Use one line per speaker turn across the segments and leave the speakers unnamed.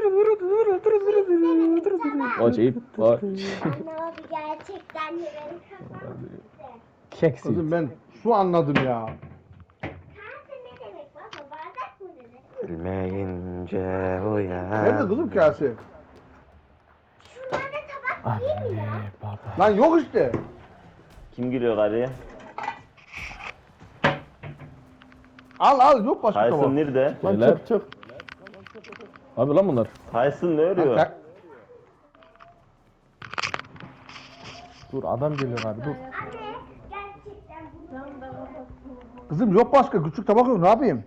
Poçi, poçi.
Anne abi gerçekten de beni kapattı.
Keksi.
Kızım ben su anladım ya.
Kase ne demek baba? Bardak mı demek?
Bilmeyince
Nerede kızım
uyan.
kase?
Şunlarda tabak değil mi ya?
Anne, baba.
Lan yok işte.
Kim giriyor karıya?
Al yok başka
Tyson
tabak.
nerede?
Lan
Beyler.
çık. Abi lan bunlar.
Tyson ne örüyor?
Lan,
Dur adam geliyor abi dur.
Anne gerçekten bu.
Kızım yok başka küçük tabak yok ne yapayım?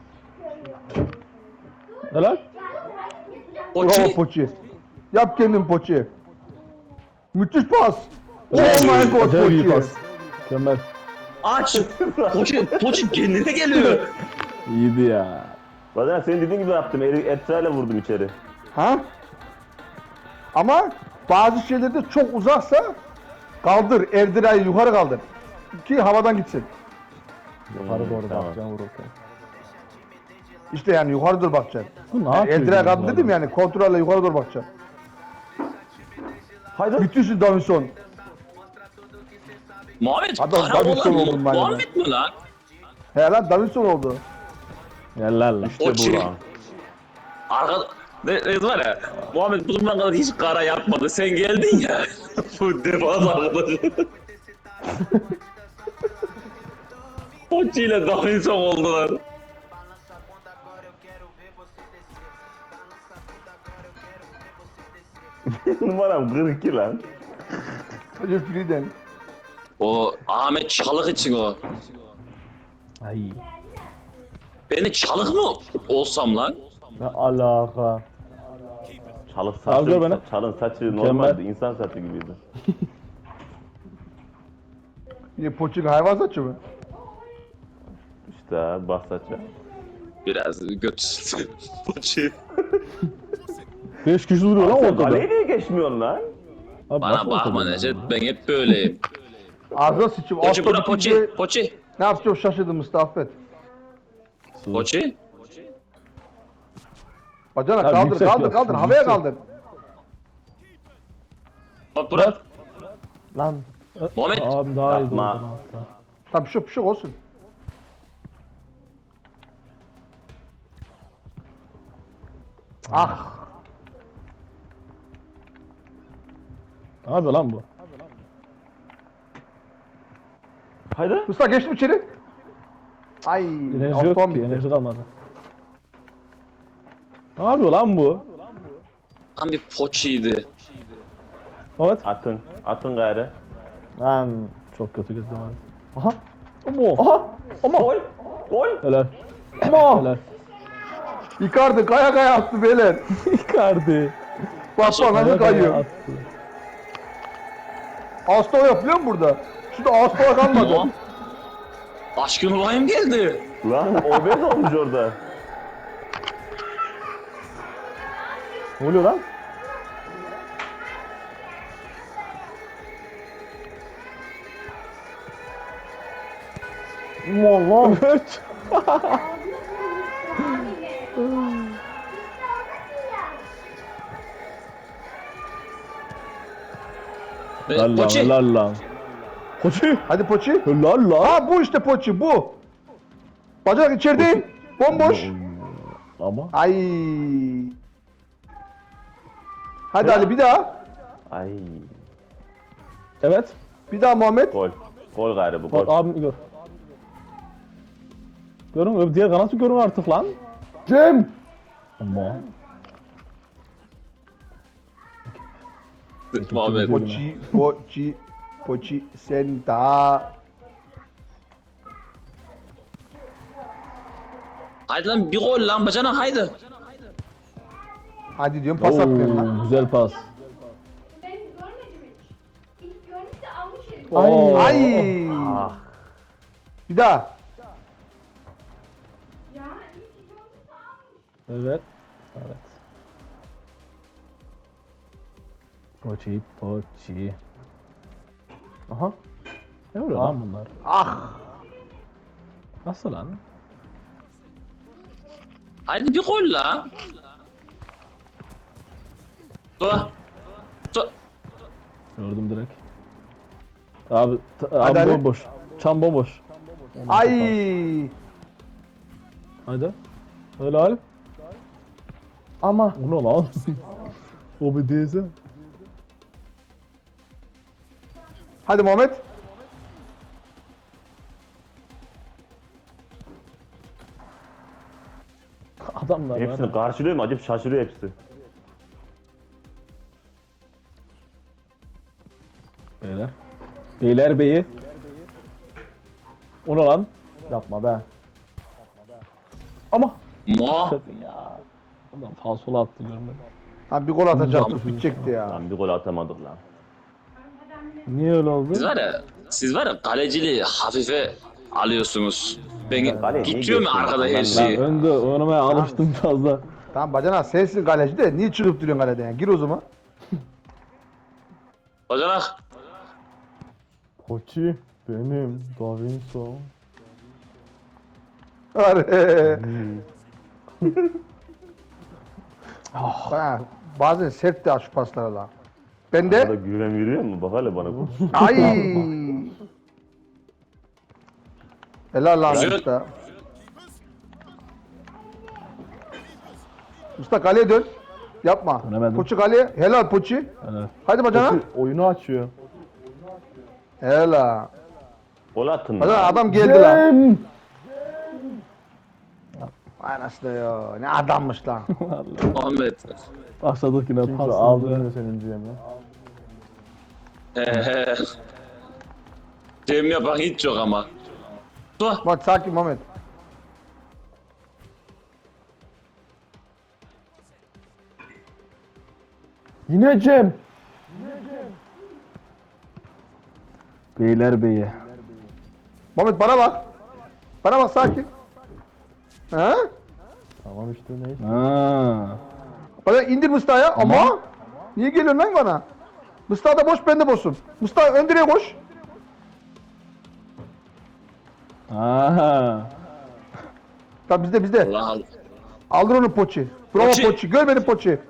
Ne lan?
Bravo Poçi. Yap kendin Poçi. Müthiş pas. Oh
Acayip
my god
acayip iyi
Poçi.
pas. Mükemmel.
Aç. Poçin kendine geliyor.
İyiydi ya.
Bazen senin dediğin gibi yaptım. Etrayla vurdum içeri.
Ha? Ama bazı şeylerde çok uzaksa kaldır. Erdirayı yukarı kaldır. Ki havadan gitsin.
Yukarı doğru
tamam.
bakacaksın vururken.
İşte yani yukarı doğru bakacaksın.
Bu ne yapıyor?
Erdirayı kaldır
bunlar?
dedim yani kontrolle yukarı doğru bakacaksın.
Haydi.
Müthişsin Davinson.
Muhammed
Adam
para
Davinson
olan
oldum ben ya.
Muhammed mi lan?
He lan Davinson oldu.
Gel lan lan.
İşte
Poçin.
bu lan.
Arka... Ne var ya? Muhammed bu zamana kadar hiç kara yapmadı. Sen geldin ya. Bu defans arkadaşı. Poçi ile Davinson oldular.
Numaram 42 lan.
Hacı Friden.
O Ahmet Çalık için o.
Ay.
Beni Çalık mı olsam lan?
Ne alaka?
Çalın
Al gör beni.
saçı, çalın saçı normaldi. İnsan saçı gibiydi.
Yine Poçin hayvan saçı mı?
İşte abi bas saçı.
Biraz götürsün. Poçi.
5 kişi duruyor lan
Sen
ortada.
kaleye niye geçmiyorsun lan?
Abi
Bana
nasıl
bakma
ortada
Necdet,
ya?
ben hep böyleyim.
Ağzına sıçayım.
Poçi
Asla
bura
bitince
Poçi, Poçi,
ne yapacağım şaşırdım Mustafa affet.
Poçi.
Bacana
Ya
kaldır
yüksek
kaldır
yok,
kaldır
yüksek.
havaya kaldır.
Bak bırak.
Lan.
Muhammed.
Abi daha iyi
Yapma.
doğru hatta.
Tamam bir şey olsun. Ah.
Ne yapıyor lan bu?
Haydi.
Mustafa geçtim içeri. Ay.
Enerji
Osman
yok ki,
bitti.
enerji kalmadı. Ne yapıyor lan bu?
Tam bir Poçi'ydi.
Evet.
Atın. Atın gayrı.
Lan çok kötü gözüm abi. Aha. Aha.
Gol. Gol.
Helal.
Ama.
Helal.
Icardi kaya kaya attı beyler.
Icardi.
Bak bak nasıl
Kaya kaya
kayıyor.
attı.
Asta yapıyor mu burada? Şurada asta kalmadı.
Ama Aşkın olayım geldi.
Lan obez olmuş orada.
Ne oluyor lan? Allah. Evet. Helal lan,
Poçi.
helal lan. Koçi.
Hadi Poçi.
Helal lan.
Ha bu işte Poçi bu. Bacak içerideyim. Bomboş.
Ama.
Ay. Hadi Ali bir daha.
Ay.
Evet.
Bir daha Muhammed.
Gol. Gol gayrı bu
Bak
gol.
abimi gör. Görün öbür diğer kanatı görün artık lan.
Cem.
Ama.
Muhammed.
Poçi, Poçi, Poçi sen daha.
Haydi lan bir gol lan bacana haydi.
Hadi diyorum pas atmıyorum lan.
Güzel pas.
Ben görmedim hiç. İlk görmüşse almış herif.
Oo.
Ay.
Ah.
Bir daha.
Ya ilk görmüşse almış.
Evet. Evet. Poçi, poçi. Aha. Ne oluyor lan bunlar?
Ah.
Nasıl lan?
Haydi bir gol la. Mustafa. Mustafa.
Gördüm direkt. Abi,
Hadi, hadi.
bomboş. Çam bomboş.
Ay.
Hadi. Helal.
Ama.
Bu ne lan? O bir değilse.
Hadi Muhammed.
Adamlar
Hepsini
var.
karşılıyor mu? Acayip şaşırıyor hepsi.
Beyler. Beyler beyi. O ne lan? Yapma be. Ama.
Mo.
Ya. Adam falsola attı görmedim.
Ha bir gol atacaktık bitecekti ya.
Lan bir gol atamadık lan.
Niye öyle oldu?
Siz var ya kaleciliği hafife alıyorsunuz. Ben
Kaleye niye
tutuyorum
geçtin?
arkada her
Ben-
Ben
şeyi.
önde oynamaya alıştım fazla.
Tamam bacana sensin kaleci de niye çıkıp duruyorsun kaleden ya? Gir o zaman.
Bacanak.
Koçi benim Davinson.
Arı. Ha, bazen sert de şu paslara lan. Ben
Burada
de
güven veriyor mu? Bak hele bana.
ay. Helal lan
Güzel.
usta. Usta kaleye dön. Yapma.
Dönemedim.
Poçi kaleye. Helal Poçi.
Evet.
Hadi bacana.
Oyunu açıyor.
Helal.
Gol attın
Bacana
lan.
adam geldi lan. Anasını ya. Ne adammış lan.
Muhammed.
Başladık yine pas. Aldı.
senin diyeyim
Cem yapan hiç yok ama. Mustafa.
Bak sakin Mehmet.
Yine Cem. Beyler beyi.
Mehmet bana bak. Bana bak sakin. Ha?
Tamam işte neyse. Ha.
Bana indir Mustafa'ya ama. Niye geliyorsun lan bana? Mustafa da boş ben de boşum. Mustafa ön direğe koş.
Ha.
Tamam bizde.
Allah Allah.
Aldır onu Poçi. Bravo
Poçi.
Poçi. Gör beni Poçi.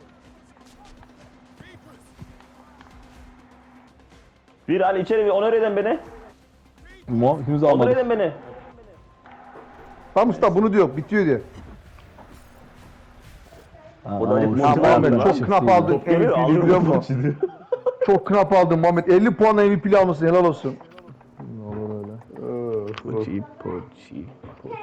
Bir Ali içeri bir onur eden beni.
İkimiz
Onur
almadık.
eden beni.
Tamam Mustafa bunu diyor. Bitiyor diyor.
Burada acayip
Ya
Mustafa
Muhammed
aldı lan.
çok knap aldın
Top geliyor,
MVP'liği
alıyor
biliyor
topu
musun? Çok knap aldın Muhammed. 50 puanla MVP'li almışsın. Helal olsun.
Olur öyle.
Poçi poçi.